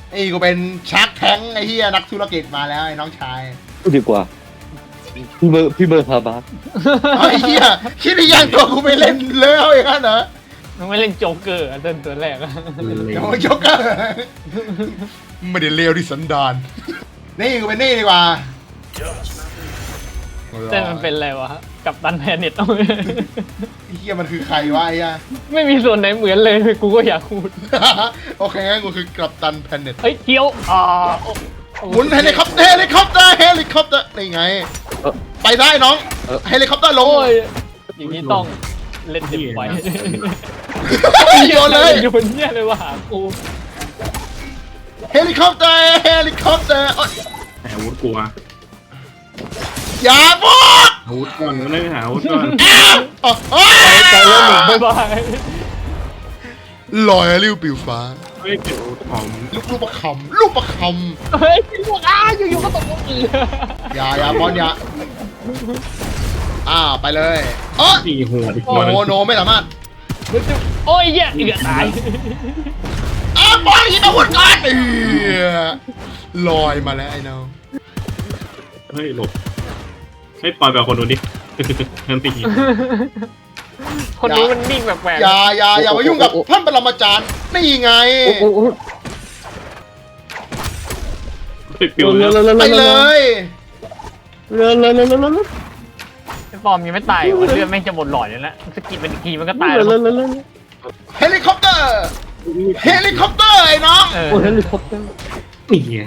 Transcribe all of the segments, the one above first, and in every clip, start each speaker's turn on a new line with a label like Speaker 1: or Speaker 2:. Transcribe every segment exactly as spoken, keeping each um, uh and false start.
Speaker 1: ไอ้กูเป็นชักแท้งไอ้เหี้ยนักธุรกิจมาแล้วไอ้น้องชาย
Speaker 2: ดีกว่าพี่เบอร์พี่เบอร์พาบาส
Speaker 1: ไอ้เหี้ยคิดได้ยังตัวกูไปเล่นเลยเอาอย่างนั้นเหรอ
Speaker 3: มึงไม่เล่นโจ๊กเกอร์อ่ะเต้นตัวแรกอะ
Speaker 1: เดี๋ยวมันยกเกอร์ไม่ได้เลวที่สันดานนี่กูเป็นนี่ดีกว่า
Speaker 3: เต้นมันเป็นอะไรวะกับตันแพนเน็ตต้อง
Speaker 1: ไอ้เหี้ยมันคือใครวะไอ้เหี้ย
Speaker 3: ไม่มีส่วนไหนเหมือนเลยกูก็อยากพูด
Speaker 1: โอเคงั้นกูคือกัปตันแพนเน็ต
Speaker 3: เฮ้ยเกี้ยวอ่าโอ้โอ้
Speaker 1: หมุนเฮลิคอปเตอร์เฮลิคอปเตอร์เฮลิคอปเตอร์นี่ไง ไปได้น้องเฮลิคอปเตอร์ลง
Speaker 3: โอ้ยอย่างนี้ต้องเล่นเต็มไป
Speaker 1: โยนเลย
Speaker 3: โยนเนี่ยเลยว่าหากู
Speaker 1: เฮลิคอปเตอร์เฮลิคอปเตอร์
Speaker 4: หาอาวุธกลัว
Speaker 1: อย่าบอก
Speaker 4: อาวุธก่อนก็เลยหาอาวุธก่อน
Speaker 3: ใจเล่นหนุ่มบ๊ายบาย
Speaker 1: ลอยริ้วปิวฟ้า
Speaker 4: เฮ้ยเก็บอาวุธของ
Speaker 1: ลูกลูกประคำลูกประค
Speaker 3: เฮ้ยพวกอ้าอยู่ๆก็ตกลงอีก
Speaker 1: ำอย่าอย่าบอลอย่าอ่าไปเลยเออ
Speaker 4: สี่หัวอีก
Speaker 1: โน
Speaker 4: ตัวหนึง
Speaker 1: โนไม่สามารถ
Speaker 3: โอ้ยเหี้ยเอือตาย
Speaker 1: อ่าบอลยิงอาวุธก่อนเออลอยมาแล้วไอ้น้อง
Speaker 4: เฮ้ยหลบเฮ้ยปล่อยแบบคนดูดินั่นตี
Speaker 3: คนนี้มันนิ่งแปลก
Speaker 1: อย่าอย่าอย่ามายุ่งกับท่านปรมาจารย์นี่ไง
Speaker 2: โอ้โห
Speaker 4: เฮ้ยปิว
Speaker 2: เร็
Speaker 4: แล้ว ว
Speaker 2: เร็ว
Speaker 1: ไป
Speaker 2: เร็ว
Speaker 1: เล
Speaker 2: เร็วย เร็วเร็วเร็วเร็วเร็ว
Speaker 3: ๆไอ้ฟอร์มยังไม่ตายวันเลือดแม่งจะหมดหลอดเลยนะสกิลเป็นอีกทีมันก็ตาย
Speaker 2: เร็
Speaker 3: แล้ว ว
Speaker 2: เร็วเร็ว
Speaker 1: เฮลิคอปเตอร์เฮลิคอปเตอร์ไอ้น้อง
Speaker 3: เออ
Speaker 2: โอ้เฮลิคอปเตอร์
Speaker 4: นี่ไง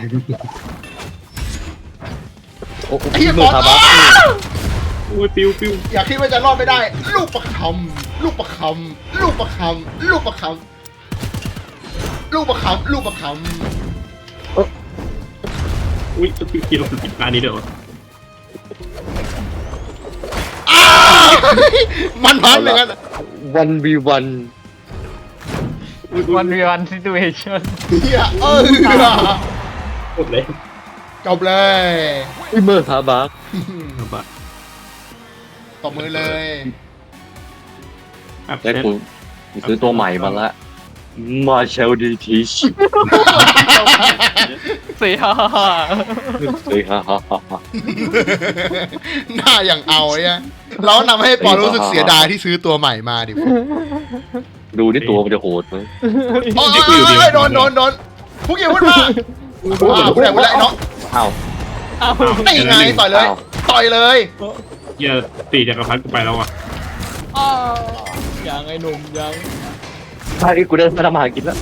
Speaker 2: โอ้
Speaker 1: ไอ้
Speaker 2: พี่
Speaker 1: เหี้ย
Speaker 2: เบบ อ
Speaker 1: อ
Speaker 2: ร์
Speaker 1: ล
Speaker 2: พาบาส
Speaker 4: โอ้ยปิวปิว
Speaker 1: อย่าคิดว่าจะรอดไม่ได้ ลูกประคำลูกประคำลูกประคำลูกประคำลูกประคำลูกประค
Speaker 4: อุ้ยจะปิวกินเราปิดร้านนี้เดี๋ยว
Speaker 1: ำอ้าวมันพันอย่างนั้น
Speaker 2: วันวีวัน
Speaker 3: วันวีวันซิทูเอชั่น
Speaker 1: เฮียเออ
Speaker 4: หมดเลย
Speaker 1: จบเลย
Speaker 2: พี่เบอร์พาบาส
Speaker 4: เอาปะ
Speaker 1: ตบมือเลย
Speaker 4: อัพ
Speaker 2: และ
Speaker 4: เซต
Speaker 2: กูซื้อตัวใหม่มาละมาเชลดีทีช
Speaker 3: เสียฮ่าฮ่า
Speaker 2: เฮ้ยฮ่าฮ่าฮ่าฮ่า
Speaker 1: หน้าอย่างเอาเนี่ยเรานำให้ปอรู้สึกเสียดายที่ซื้อตัวใหม่มาดิ
Speaker 2: ดูที่ตัวมันจะโหดไหม
Speaker 1: โอ้ยโดนโดนโดนพุกอย่าพูดมาอ่าพูดได้พูดได้น้อง
Speaker 2: อ้าว
Speaker 3: เอา
Speaker 1: นี่ไงต่อยเลย ต่อยเลย
Speaker 4: เฮียตีจักรพรรดิกูไปแล้วอ่ะ
Speaker 3: อ้าวยังไอ้หนุ่มยัง
Speaker 2: ใช่กูเดินมาทำอาหารกินแล้ว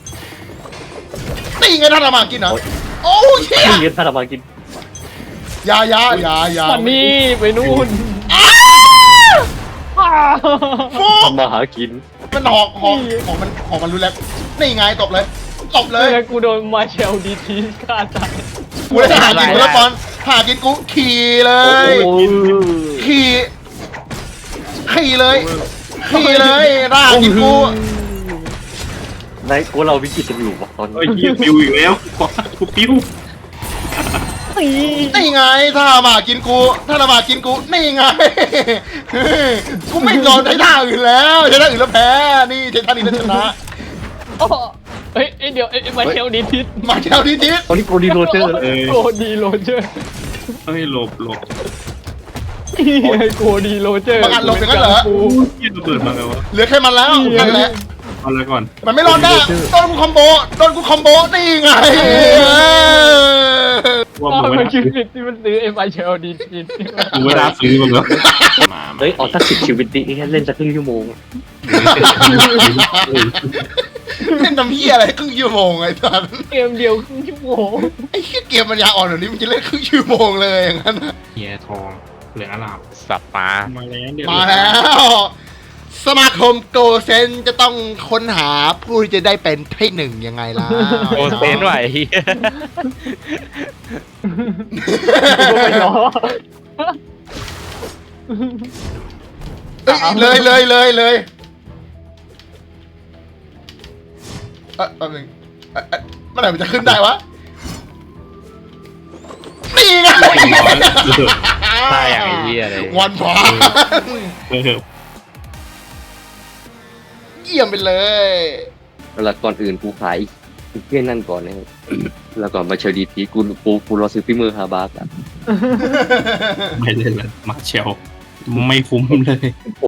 Speaker 1: นี่ไงท่านอามากินเหรอโอ้ยเฮีย
Speaker 2: นี่เงินมาทำอาหารกิน
Speaker 1: ยายายายา
Speaker 3: วันนี้ไปนู่น
Speaker 1: อ้า
Speaker 3: อ้าว
Speaker 1: ฟุก
Speaker 2: ทำมาหากิน
Speaker 1: มันหอกหอกของมันของมันรุนแรงนี่ไงตบเลยตบเลย
Speaker 3: แล้วกูโดนมาเชลดีทีฆ่าตาย
Speaker 1: กูได้หากินกูแล้วบอลหากินกูขี่เลย
Speaker 2: โอ้ย
Speaker 1: ขี่ขี่เลยขี่เลยร่ากินกู
Speaker 2: ในกูเราวิกฤตกันอยู่วะตอน
Speaker 4: เฮ้ย
Speaker 2: นี้
Speaker 4: เฮียปิวอีกแล้วกูปิว
Speaker 1: นี่ไงถ้ามากินกูถ้ามากินกูนี่ไงกูไม่ยอมใช้ท่าอื่นแล้วใช้ท่าอื่นแล้วแพ้นี่ใช้ท่านี้แล้วชนะ
Speaker 3: โอ้เฮ้ยเดี๋ยวไอ้มาเชลดีที
Speaker 1: มาเช้าทีนิด
Speaker 2: ตอนนี้โกดีโรเจอร์
Speaker 4: เออ
Speaker 3: โกดีโรเจอร์
Speaker 4: เฮ้ยหลบหลบ
Speaker 3: โกดีโรเจอร์
Speaker 1: บางอันลงอย่างนั้นเหรอ
Speaker 3: กู
Speaker 4: เฮียระเบิดมาไงวะ
Speaker 1: เหลือแค่มันแล้วนั่นแหละ
Speaker 4: เอาละก่อน
Speaker 1: มันไม่รอดแน่โดนกูคอมโบโดนกูคอมโบนี่ไง
Speaker 4: ว่า
Speaker 3: อ้าว
Speaker 4: มึง
Speaker 3: มั
Speaker 4: ไม่
Speaker 3: น
Speaker 4: น่า
Speaker 3: คิดผิดที่มันซื้อไอ้มาเชลดีที
Speaker 4: มึงไม่น่าซื้อมึงเหรอ
Speaker 2: เฮ้ยเอาสักสิบชีวิตดิแค่เล่นสักครึ่งชั่วโมง
Speaker 1: เล่นน้ำเหี้ยอะไรครึ่งชั่วโมงไอ้ท่าน
Speaker 3: เกมเดียวครึ่งชั่วโมง
Speaker 1: ไอ้เหี้ยเกมมันยาอ่อนแบบนี้มันจะเล่นครึ่งชั่วโมงเลยอย่างนั้นนะ
Speaker 4: เฮียทองเหลืองอลาม
Speaker 5: สับปลา
Speaker 4: มาแล้วเดี๋ยว
Speaker 1: มาแล้ว สมาคมโกเซนจะต้องค้นหาผู้ที่จะได้เป็นที่หนึ่งยังไงล่ะ
Speaker 5: โอเซนไหว
Speaker 3: กูไปล้อ
Speaker 1: เอ้ยเลยเลยเลยเลยเออแป๊บนึงเอ่อเอ่อเมื่อไหร่มันจะขึ้นได้วะนี่ไง
Speaker 5: ใช่อย่างไอ้เหี้ยเลย
Speaker 1: วันพา
Speaker 4: เออ
Speaker 1: เยี่ยมไปเลย
Speaker 2: เวลาก่อนอื่นกูขายเพี้ยนนั่นก่อนนะแล้วก็มาเชลดีพีกูกูกูรอซื้อฝีมือฮาบาร์กอะ
Speaker 4: ไม่เล่นแล้วมาเชลไม่คุ้มเลย
Speaker 2: โอ้